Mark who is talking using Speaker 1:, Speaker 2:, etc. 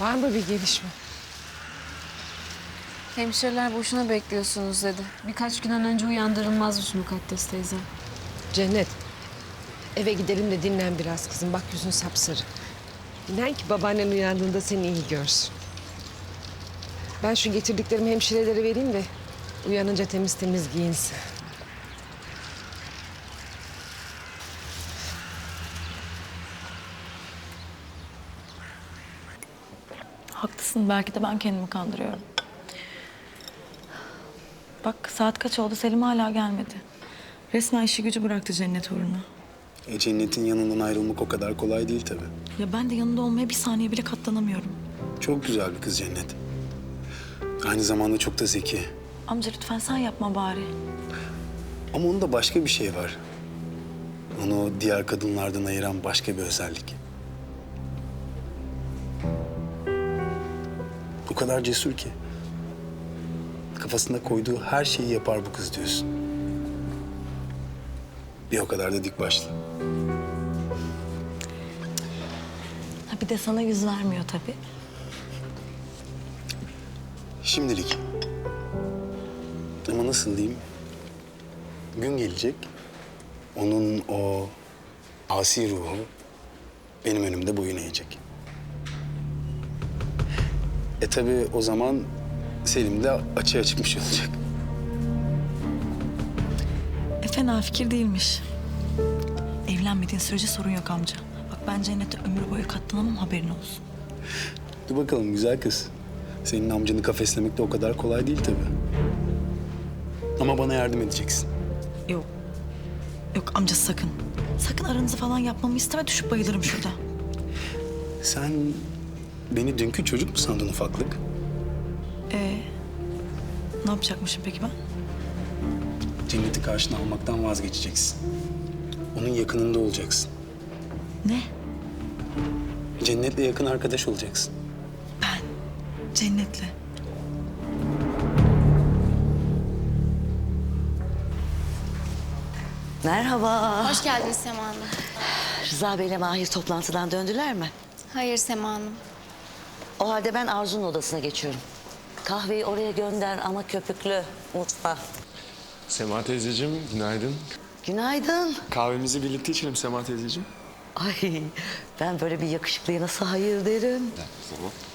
Speaker 1: Var mı bir gelişme?
Speaker 2: Hemşireler boşuna bekliyorsunuz dedi. Birkaç günden önce uyandırılmazmış Mukaddes teyze.
Speaker 1: Cennet, eve gidelim de dinlen biraz kızım. Bak yüzün sapsarı. İnan ki babaannen uyandığında seni iyi görsün. Ben şu getirdiklerimi hemşirelere vereyim de uyanınca temiz temiz giyinsin.
Speaker 3: Haklısın. Belki de ben kendimi kandırıyorum. Bak saat kaç oldu? Selim hala gelmedi. Resmen işi gücü bıraktı Cennet uğruna.
Speaker 4: Cennet'in yanından ayrılmak o kadar kolay değil tabii.
Speaker 3: Ya ben de yanında olmaya bir saniye bile katlanamıyorum.
Speaker 4: Çok güzel bir kız Cennet. Aynı zamanda çok da zeki.
Speaker 3: Amca lütfen sen yapma bari.
Speaker 4: Ama onda başka bir şey var. Onu diğer kadınlardan ayıran başka bir özellik. O kadar cesur ki. Kafasında koyduğu her şeyi yapar bu kız diyorsun. Bir o kadar da dik başlı.
Speaker 3: Ha bir de sana yüz vermiyor tabii.
Speaker 4: Şimdilik. Ama nasıl diyeyim? Gün gelecek. Onun o asi ruhu benim önümde boyun eğecek. Tabii o zaman Selim de açığa çıkmış olacak.
Speaker 3: Fena fikir değilmiş. Evlenmediğin sürece sorun yok amca. Bak ben Cennet'e ömür boyu katlanamam, haberin olsun.
Speaker 4: Dur bakalım güzel kız. Senin amcanı kafeslemek de o kadar kolay değil tabii. Ama bana yardım edeceksin.
Speaker 3: Yok. Yok amca sakın. Sakın aranızı falan yapmamı isteme, düşüp bayılırım şurada.
Speaker 4: Sen beni dünkü çocuk mu sandın ufaklık?
Speaker 3: Ne yapacakmışım peki ben?
Speaker 4: Cennet'i karşına almaktan vazgeçeceksin. Onun yakınında olacaksın.
Speaker 3: Ne?
Speaker 4: Cennet'le yakın arkadaş olacaksın.
Speaker 3: Ben Cennet'le.
Speaker 5: Merhaba.
Speaker 6: Hoş geldiniz Sema Hanım.
Speaker 5: Rıza Bey'le Mahir toplantıdan döndüler mi?
Speaker 6: Hayır Sema Hanım.
Speaker 5: O halde ben Arzu'nun odasına geçiyorum. Kahveyi oraya gönder ama köpüklü mutfağa.
Speaker 7: Sema teyzeciğim, günaydın.
Speaker 5: Günaydın.
Speaker 7: Kahvemizi birlikte içelim Sema teyzeciğim.
Speaker 5: Ay ben böyle bir yakışıklıya nasıl hayır derim.
Speaker 7: Tamam.